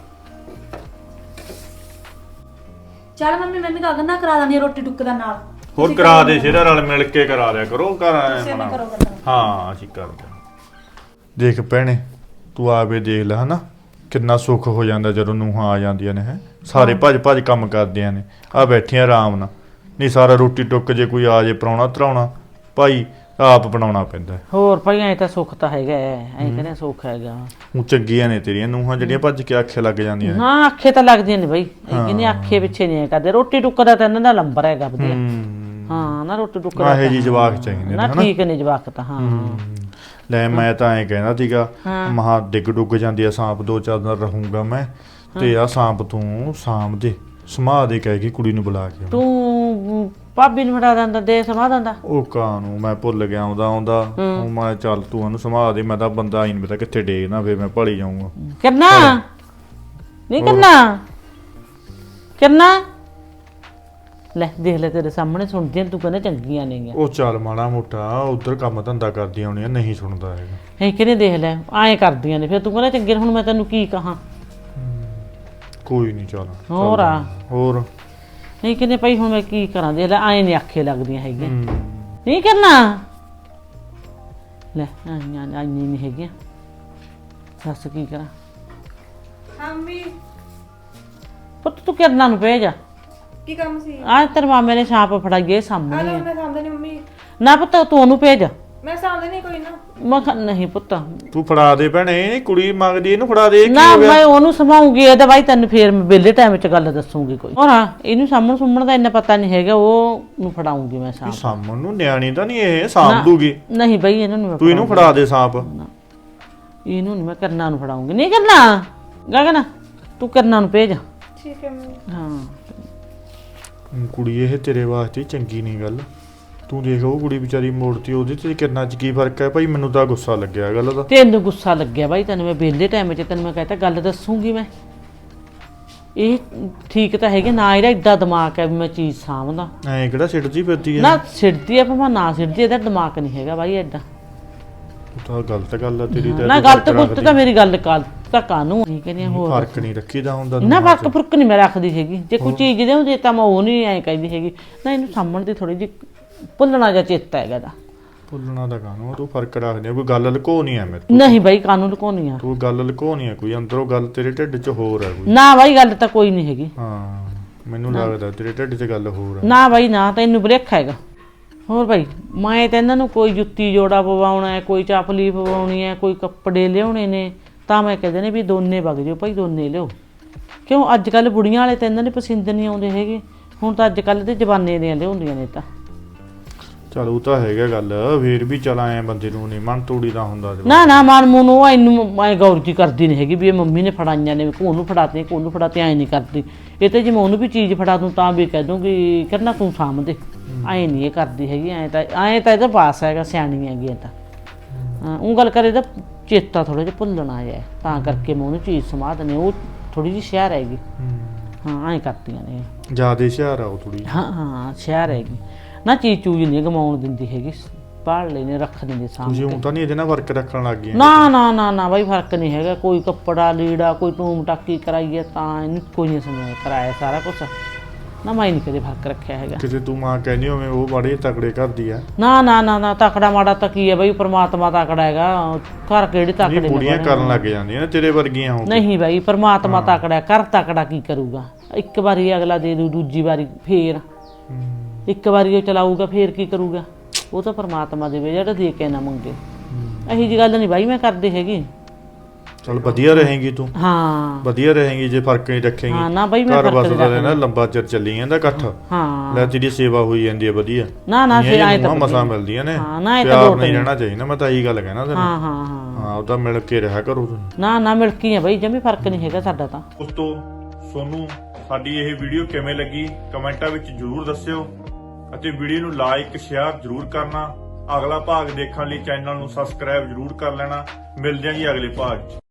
S3: ਚਲ ਮੰਮੀ ਮੈਂ ਵੀ ਗਗਨ ਨਾਲ ਕਰਾ ਦਾਂਦੀ ਰੋਟੀ ਟੁੱਕ ਦਾ ਨਾਲ।
S1: ਹੋਰ ਕਰਾ ਦੇ ਸ਼ੇਰਾ, ਰਲ ਮਿਲ ਕੇ ਕਰਾ ਦਿਆ ਕਰੋ। ਘਰ
S3: ਤੁਸੀਂ
S1: ਆਏ
S3: ਵੀ ਕਰੋ
S1: ਬਣਾ।
S3: ਗੱਲਾਂ।
S1: ਹਾਂ ਅਸੀਂ ਕਰਦੇ ਆਂ। ਦੇਖ ਭੈਣੇ ਤੂੰ ਆਵੇ ਦੇਖ ਲੈ ਹਨਾ ਕਿੰਨਾ ਸੁੱਖ ਹੋ ਜਾਂਦਾ ਜਦੋਂ ਨੂੰਹਾਂ ਆ ਜਾਂਦੀਆਂ ਨੇ ਹੈ। ਸਾਰੇ ਭੱਜ ਭੱਜ ਕੰਮ ਕਰਦੀਆਂ ਨੇ। ਆ ਬੈਠੀਆਂ ਆਰਾਮ ਨਾਲ। ਨਹੀਂ ਸਾਰਾ ਰੋਟੀ ਟੁੱਕ ਜੇ ਕੋਈ ਆ ਜੇ ਪ੍ਰਾਹੁਣਾ ਧਰਾਉਣਾ ਭਾਈ ਆਪ ਬਣਾਉਣਾ ਪੈਂਦਾ।
S2: ਹੋਰ ਭਾਈ ਐਂ ਤਾਂ ਸੁੱਖ ਤਾਂ ਹੈਗਾ ਐਂ ਕਹਿੰਦੇ ਸੁੱਖ ਹੈਗਾ
S1: ਉਹ ਚੰਗੀਆਂ ਨੇ ਤੇਰੀਆਂ ਨੂੰਹਾਂ ਜਿਹੜੀਆਂ ਭੱਜ ਕੇ ਆਖੇ ਲੱਗ ਜਾਂਦੀਆਂ ਨੇ।
S2: ਹਾਂ ਅੱਖੇ ਤਾਂ ਲੱਗਦੀਆਂ ਨੇ ਬਈ ਇਹ ਕਹਿੰਦੇ ਅੱਖੇ ਪਿੱਛੇ ਨਹੀਂ ਐਂ ਕਰਦੇ ਰੋਟੀ ਟੁੱਕ ਦਾ ਤਾਂ ਇਹਨਾਂ ਦਾ ਲੰਬਰ ਹੈਗਾ ਵਧੀਆ
S1: ਹੂੰ
S2: ਹਾਂ ਨਾ ਰੋਟੀ ਟੁੱਕ
S1: ਆਹੇ
S2: ਦਾ
S1: ਜੀ ਜਵਾਕ ਚਾਹੀਦੇ ਨੇ
S2: ਨਾ
S1: ਹਨਾ।
S2: ਠੀਕ ਨੇ ਜਵਾਕ ਤਾਂ ਹਾਂ
S1: ਲੈ ਮੈਂ ਤਾਂ ਐਂ ਕਹਿੰਦਾ ਸੀਗਾ
S2: ਹਾਂ।
S1: ਮਹਾ ਡਿੱਗ ਡੁੱਗ ਜਾਂਦੀ ਆ ਸਾਂਪ ਦੋ ਚਾਰ ਦਿਨ ਰਹੂੰਗਾ ਮੈਂ ਤੇ ਆ ਸਾਂਪ ਤੂੰ ਸਾਂਭ ਦੇ ਸਮਾ ਦੇ ਕਹਿ ਕੇ ਕੁੜੀ ਨੂੰ ਬੁਲਾ ਕੇ।
S2: ਤੂੰ ਭਾਬੀ ਨੂੰ ਫੜਾ ਦਿੰਦਾ ਦੇ ਸਮਾ ਦਿੰਦਾ
S1: ਉਹ ਕਾਂ ਨੂੰ ਮੈਂ ਭੁੱਲ ਗਿਆ ਆਉਂਦਾ ਆਉਂਦਾ ਉਹ ਮੈਂ ਚੱਲ ਤੂੰ ਉਹਨੂੰ ਸਮਾ ਦੇ। ਮੈਂ ਤਾਂ ਬੰਦਾ ਹੀ ਨਹੀਂ ਪਤਾ ਕਿੱਥੇ ਡੇਗਣਾ ਫੇਰ ਮੈਂ ਭਲੀ ਜਾਊਂਗਾ।
S2: ਕਰਨਾ ਨਹੀਂ ਕਰਨਾ ਕਰਨਾ ਲੈ ਦੇਖ ਲੈ ਤੇਰੇ ਸਾਹਮਣੇ ਸੁਣਦੀਆਂ ਤੂੰ ਕਹਿੰਦਾ ਚੰਗੀਆਂ ਨੇਗੀਆਂ
S1: ਉਹ ਚੱਲ ਮਾੜਾ ਮੋਟਾ ਉਧਰ ਕੰਮ ਧੰਦਾ ਕਰਦੀਆਂ ਹੋਣੀਆਂ ਨਹੀਂ ਸੁਣਦਾ ਹੈਗਾ।
S2: ਇਹ ਕਿਹਨੇ ਦੇਖ ਲੈ ਐਂ ਕਰਦੀਆਂ ਨੇ ਫਿਰ ਤੂੰ ਕਹਿੰਦਾ ਚੰਗੇ ਹੁਣ ਮੈਂ ਤੈਨੂੰ ਕੀ ਕਹਾਂ
S1: ਕੋਈ ਨਹੀਂ ਚੱਲ
S2: ਹੋਰ ਆ
S1: ਹੋਰ
S2: ਨਹੀਂ ਕਹਿੰਦੇ ਭਾਈ ਹੁਣ ਮੈਂ ਕੀ ਕਰਾਂ ਦੇਖ ਲੈ ਐਂ ਨਹੀਂ ਆਖੇ ਲੱਗਦੀਆਂ ਹੈਗੀਆਂ
S1: ਹੂੰ।
S2: ਨਹੀਂ ਕਰਨਾ ਲੈ ਆਈਆਂ ਆਈਆਂ ਨਹੀਂ ਹੈਗੀਆਂ ਦੱਸ ਕੀ ਕਰਾਂ
S4: ਹਾਂ ਮੰਮੀ
S2: ਪੁੱਤ ਤੂੰ ਕਰਨਾ ਨੂੰ ਭੇਜ
S4: ਕੀ ਕੰਮ ਸੀ
S2: ਆ ਤੇਰੇ ਮਾਮੇ ਨੇ ਛਾਪ ਫੜਾਈਏ
S4: ਆ
S2: ਸਾਹਮਣੇ
S4: ਲਓ
S2: ਆ।
S4: ਮੈਂ ਸਾਂਭਦੇ ਨਹੀਂ ਮੰਮੀ
S2: ਨਾ ਪੁੱਤ ਤੂੰ ਉਹਨੂੰ ਭੇਜ
S4: ਮੈਂ ਸਾਂਭਦੇ ਨਹੀਂ ਕੋਈ ਨਾ
S2: ਮੈਂ ਕਿਹਾ ਨਹੀਂ ਪੁੱਤ
S1: ਤੂੰ ਫੜਾ ਦੇ ਭੈਣੇ ਕੁੜੀ ਮੰਗਦੀ ਇਹਨੂੰ ਫੜਾ ਦੇ। ਕੀ
S2: ਨਾ
S1: ਹੋ ਗਿਆ?
S2: ਮੈਂ ਉਹਨੂੰ ਸਮਾਉਂਗੀ ਇਹਦਾ ਬਾਈ ਤੈਨੂੰ ਫੇਰ ਮੈਂ ਵਿਹਲੇ ਟਾਈਮ 'ਚ ਗੱਲ ਦੱਸੂਗੀ ਕੋਈ ਹੋਰ ਹਾਂ ਇਹਨੂੰ ਸਾਹਮਣ ਸੁਮਣ ਦਾ ਇੰਨਾ ਪਤਾ ਨਹੀਂ ਹੈਗਾ ਉਹ ਨੂੰ ਫੜਾਉਂਗੀ ਮੈਂ ਸਾਂਪ
S1: ਸਾਂਭਣ ਨੂੰ ਨਿਆਣੀ ਤਾਂ ਨਹੀਂ ਇਹ ਸਾਂਭ ਦੂਗੀ।
S2: ਨਹੀਂ ਬਈ ਇਹਨੂੰ ਨਹੀਂ ਮੈਂ
S1: ਤੂੰ ਇਹਨੂੰ ਫੜਾ ਦੇ ਸਾਂਪ।
S2: ਇਹਨੂੰ ਨਹੀਂ ਮੈਂ ਕਰਨਾ ਨੂੰ ਫੜਾਉਂਗੀ ਨਹੀਂ ਕਰਨਾ ਗਗਨ ਤੂੰ ਕਰਨਾ ਨੂੰ ਭੇਜ
S4: ਠੀਕ ਹੈ ਮੰਮੀ
S2: ਹਾਂ
S1: ਹੁਣ ਕੁੜੀ ਇਹ ਤੇਰੇ ਵਾਸਤੇ ਚੰਗੀ ਨਹੀਂ ਗੱਲ। ਤੂੰ ਦੇਖ ਉਹ ਕੁੜੀ ਵਿਚਾਰੀ ਮੋੜਤੀ ਉਹਦੇ ਤੇ ਕਿੰਨਾ ਚ ਕੀ ਫਰਕ ਹੈ ਭਾਈ। ਮੈਨੂੰ ਤਾਂ ਗੁੱਸਾ ਲੱਗਿਆ ਗੱਲ ਦਾ।
S2: ਤੈਨੂੰ ਗੁੱਸਾ ਲੱਗਿਆ ਬਾਈ ਤੈਨੂੰ ਮੈਂ ਵਿਹਲੇ ਟਾਈਮ 'ਚ ਤੈਨੂੰ ਮੈਂ ਕਹਤਾ ਗੱਲ ਦੱਸੂਗੀ ਮੈਂ ਇਹ ਠੀਕ ਤਾਂ ਹੈਗੇ ਨਾ ਇਹਦਾ ਏਡਾ ਦਿਮਾਗ ਹੈ ਵੀ ਮੈਂ ਚੀਜ਼ ਸਾਂਭਦਾ
S1: ਐਂ ਕਿਹੜਾ ਸਿੱਟਦੀ ਫਿਰਦੀ ਹੈ।
S2: ਨਾ ਸਿਰਦੀ ਆ ਭਾਵੇਂ ਨਾ ਸਿਰਦੀ ਇਹਦਾ ਦਿਮਾਗ ਨਹੀਂ ਹੈਗਾ ਬਾਈ ਏਡਾ
S1: ਉਹ ਤਾਂ ਗਲਤ ਗੱਲ ਆ ਤੇਰੀ ਤਾਂ।
S2: ਨਾ ਗਲਤ ਗੁੱਤ ਤਾਂ ਮੇਰੀ ਗੱਲ ਕਰ ਤਾਂ ਕਾਨੂੰ ਨਹੀਂ ਕਹਿੰਦੀ ਹੋਰ
S1: ਫਰਕ ਨਹੀਂ ਰੱਖੀਦਾ ਹੁੰਦਾ।
S2: ਨਾ ਫਰਕ ਫੁਰਕ ਨਹੀਂ ਮੈਂ ਰੱਖਦੀ ਹੈਗੀ ਜੇ ਕੋਈ ਚੀਜ਼ ਦੇ ਹੁੰਦੀ ਤਾਂ ਮੈਂ ਉਹ ਨਹੀਂ ਐਂ ਕਹਿੰਦੀ ਹੈਗੀ ਨਾ ਇਹਨੂੰ ਸਾਹਮਣ ਦੀ ਥੋੜੀ ਜਿਹੀ ਭੁੱਲਣਾ ਜਾਂ ਚੇਤਾ ਹੈਗਾ ਦਾ
S1: ਭੁੱਲਣਾ ਦਾ ਕਾਨੂੰ ਤੂੰ ਫਰਕ ਰੱਖਦੀ ਆ। ਕੋਈ ਗੱਲ ਲੁਕੋ ਨਹੀਂ ਐ ਮੇਰੇ ਤੋਂ।
S2: ਨਹੀਂ ਬਾਈ ਕਾਨੂੰ ਲੁਕਾਉਣੀ ਆ
S1: ਤੂੰ ਗੱਲ ਲੁਕੋ ਨਹੀਂ ਆ ਕੋਈ ਅੰਦਰੋਂ ਗੱਲ ਤੇਰੇ ਢਿੱਡ 'ਚ ਹੋਰ ਹੈ ਕੋਈ।
S2: ਨਾ ਬਾਈ ਗੱਲ ਤਾਂ ਕੋਈ ਨਹੀਂ ਹੈਗੀ
S1: ਹਾਂ ਮੈਨੂੰ ਲੱਗਦਾ ਤੇਰੇ ਢਿੱਡ 'ਚ ਗੱਲ ਹੋਰ ਹੈ।
S2: ਨਾ ਬਾਈ ਨਾ ਤੈਨੂੰ ਬਰੇਖ ਹੈਗਾ ਹੋਰ ਬਾਈ ਮੈਂ ਤਾਂ ਇਹਨਾਂ ਨੂੰ ਕੋਈ ਜੁੱਤੀ ਜੋੜਾ ਪਵਾਉਣਾ ਹੈ ਕੋਈ ਚਾਪਲੀ ਪਵਾਉਣੀ ਹੈ ਕੋਈ ਕੱਪੜੇ ਲਿਆਉਣੇ ਨੇ ਤਾਂ ਮੈਂ ਕਹਿੰਦੇ ਨੇ ਵੀ ਦੋਨੇ ਵਗ ਜਾਓ ਭਾਈ ਦੋਨੇ ਲਿਓ ਕਿਉਂ ਅੱਜ ਕੱਲ ਬੁੜੀਆਂ ਵਾਲੇ ਤਾਂ ਇਹਨਾਂ ਦੇ ਪਸੰਦ ਨਹੀਂ ਆਉਂਦੇ ਹੈਗੇ ਹੁਣ ਤਾਂ ਅੱਜ ਕੱਲ ਦੇ ਜਵਾਨੇ ਦੀਆਂ ਲਿਆਉਂਦੀਆਂ ਨੇ ਤਾਂ
S1: ਚਲ ਉਹ ਤਾਂ ਹੈਗਾ ਗੱਲ ਫੇਰ ਵੀ ਚਲ ਆਏ ਬੰਦੇ ਨੂੰ ਨਹੀਂ ਮਨ ਤੋੜੀ ਦਾ ਹੁੰਦਾ।
S2: ਨਾ ਨਾ ਮਨ ਮੂੰਹ ਉਹ ਇਹਨੂੰ ਮੈਂ ਗੌਰ ਜੀ ਕਰਦੀ ਨਹੀਂ ਹੈਗੀ ਵੀ ਇਹ ਮੰਮੀ ਨੇ ਫੜਾਈਆਂ ਨੇ ਕੋਹ ਨੂੰ ਫੜਾਤੇ ਕੋਹ ਨੂੰ ਫੜਾਤੇ ਐਂ ਨਹੀਂ ਕਰਦੀ ਇਹ ਤੇ ਜੇ ਮੈਂ ਉਹਨੂੰ ਵੀ ਚੀਜ਼ ਫੜਾ ਦੂੰ ਤਾਂ ਵੀ ਕਹਿ ਦੂੰਗੀ ਕਰਨਾ ਤੂੰ ਸਾਂਭ ਦੇ ਐ ਨਹੀਂ ਇਹ ਕਰਦੀ ਹੈਗੀ, ਐ ਤਾਂ ਐ ਤਾਂ ਇਹਦਾ ਪਾਸ ਹੈਗਾ, ਸਿਆਣੀ ਹੈਗੀ ਐ ਤਾਂ। ਹਾਂ, ਉਹ ਗੱਲ ਕਰੇ ਤਾਂ ਚੇਤਾ ਥੋੜਾ ਜਿਹਾ ਭੁੱਲਣ ਆਇਆ ਤਾਂ ਕਰਕੇ ਮੈਂ ਉਹਨੂੰ ਚੀਜ਼ ਸਮਾ ਦਨੇ, ਉਹ ਥੋੜੀ ਜਿਹੀ ਸ਼ਹਿਰ ਹੈਗੀ। ਹਾਂ ਐ ਕਰਦੀਆਂ ਨੇ
S1: ਜਿਆਦਾ ਹੁਸ਼ਿਆਰ ਆ ਉਹ ਥੋੜੀ।
S2: ਹਾਂ ਹਾਂ ਸ਼ਹਿਰ ਹੈਗੀ ਨਾ, ਚੀਜ਼ ਚੂਜ ਨਹੀਂ ਗਮਾਉਣ ਦਿੰਦੀ ਹੈਗੀ, ਪਾੜ ਲੈਨੇ ਰੱਖ ਦਿੰਦੇ
S1: ਤੁਸੀਂ
S2: ਸਾਹਮਣੇ।
S1: ਹੁਣ ਤਾਂ ਨਹੀਂ ਇਹਦੇ ਨਾਲ ਵਰਕ ਰੱਖਣ ਲੱਗ ਗਏ?
S2: ਨਾ ਨਾ ਨਾ ਨਾ ਬਾਈ ਫਰਕ ਨਹੀਂ ਹੈਗਾ, ਕੋਈ ਕੱਪੜਾ ਲੀੜਾ ਕੋਈ ਟੂਮ ਟਾਕੀ ਕਰਾਈਏ ਤਾਂ ਇਹਨੂੰ ਕੋਈ ਨਹੀਂ ਸਮਝ ਕਰਾਇਆ ਸਾਰਾ ਕੁਛ ਨਾ, ਮੈਂ ਨਹੀਂ ਕਦੇ ਫਰਕ ਰੱਖਿਆ ਹੈਗਾ।
S1: ਕਿਤੇ ਤੂੰ ਮਾਂ ਕਹਿੰਦੀ ਹੋਵੇਂ ਉਹ ਬੜੇ ਤਕੜੇ ਕਰਦੀ ਆ।
S2: ਨਾ ਨਾ ਨਾ ਨਾ ਤਕੜਾ ਮਾੜਾ ਤਾਂ ਕੀ ਹੈ ਬਾਈ, ਪ੍ਰਮਾਤਮਾ ਤਕੜਾ ਹੈਗਾ, ਘਰ ਕਿਹੜੇ ਤਕੜੇ ਨੇ
S1: ਕੁੜੀਆਂ
S2: ਬਣੇ
S1: ਕਰਨ ਲੱਗ ਜਾਂਦੀਆਂ ਨੇ ਤੇਰੇ ਵਰਗੀਆਂ ਹੋ ਕੇ।
S2: ਨਹੀਂ ਬਾਈ ਪ੍ਰਮਾਤਮਾ ਤਕੜਾ, ਕਰ ਤਕੜਾ ਕੀ ਕਰੂਗਾ, ਇੱਕ ਵਾਰੀ ਅਗਲਾ ਦੇ ਦੂ, ਦੂਜੀ ਵਾਰੀ ਫੇਰ ਇੱਕ ਵਾਰੀ ਉਹ ਚਲਾਊਗਾ ਫੇਰ ਕੀ ਕਰੂਗਾ, ਉਹ ਤਾਂ ਪ੍ਰਮਾਤਮਾ ਦੇਵੇ ਜਿਹੜਾ ਦੇ ਕੇ ਨਾ ਮੰਗੇ। ਇਹੀ ਜੀ ਗੱਲ ਨਹੀਂ ਬਾਈ ਮੈਂ ਕਰਦੀ ਹੈਗੀ।
S1: ਚਲ ਵਧੀਆ ਰਹੇਗੀ ਤੂੰ,
S2: ਹਾਂ
S1: ਵਧੀਆ ਰਹੇਗੀ ਜੇ ਫਰਕ ਨਹੀਂ ਰੱਖੇਗੀ।
S2: ਹਾਂ ਨਾ ਬਾਈ ਮੈਂ
S1: ਘਰ
S2: ਫਰਕ
S1: ਬਸ
S2: ਨਹੀਂ
S1: ਦਾ
S2: ਰੱਖਦੀ।
S1: ਨਾ ਲੰਬਾ ਚਿਰ ਚੱਲੀ ਜਾਂਦਾ ਇਕੱਠ।
S2: ਹਾਂ
S1: ਲੈ ਤੇਰੀ ਸੇਵਾ ਹੋਈ ਜਾਂਦੀ ਹੈ ਵਧੀਆ।
S2: ਨਾ ਨਾ ਸੇ ਆਏ ਤਾਂ
S1: ਮਸਾਂ ਮਿਲਦੀਆਂ ਨੇ।
S2: ਹਾਂ ਨਾ ਇਹ ਤਾਂ
S1: ਪਿਆਰ
S2: ਲੋਟ
S1: ਨਹੀਂ
S2: ਨਹੀਂ।
S1: ਰਹਿਣਾ ਚਾਹੀਦਾ, ਮੈਂ ਤਾਂ ਇਹੀ ਗੱਲ ਕਹਿਣਾ ਤੈਨੂੰ।
S2: ਹਾਂ ਹਾਂ ਹਾਂ
S1: ਹਾਂ ਉਹ ਤਾਂ ਮਿਲ ਕੇ ਰਿਹਾ ਕਰੋ ਤੁਸੀਂ।
S2: ਨਾ ਨਾ ਮਿਲਕੀ ਆ ਬਾਈ, ਜਮੀ ਫਰਕ ਨਹੀਂ ਹੈਗਾ ਸਾਡਾ ਤਾਂ।
S1: ਦੋਸਤੋ ਤੁਹਾਨੂੰ ਸਾਡੀ ਇਹ ਵੀਡੀਓ ਕਿਵੇਂ ਲੱਗੀ ਕਮੈਂਟਾਂ ਵਿੱਚ ਜਰੂਰ ਦੱਸਿਓ, ਅਤੇ ਵੀਡੀਓ ਨੂੰ ਲਾਈਕ ਸ਼ੇਅਰ ਜਰੂਰ ਕਰਨਾ। ਅਗਲਾ ਭਾਗ ਦੇਖਣ ਲਈ ਚੈਨਲ ਨੂੰ ਸਬਸਕ੍ਰਾਈਬ ਜਰੂਰ ਕਰ ਲੈਣਾ। ਮਿਲਦੇ ਹਾਂ ਜੀ ਅਗਲੇ ਭਾਗ 'ਚ।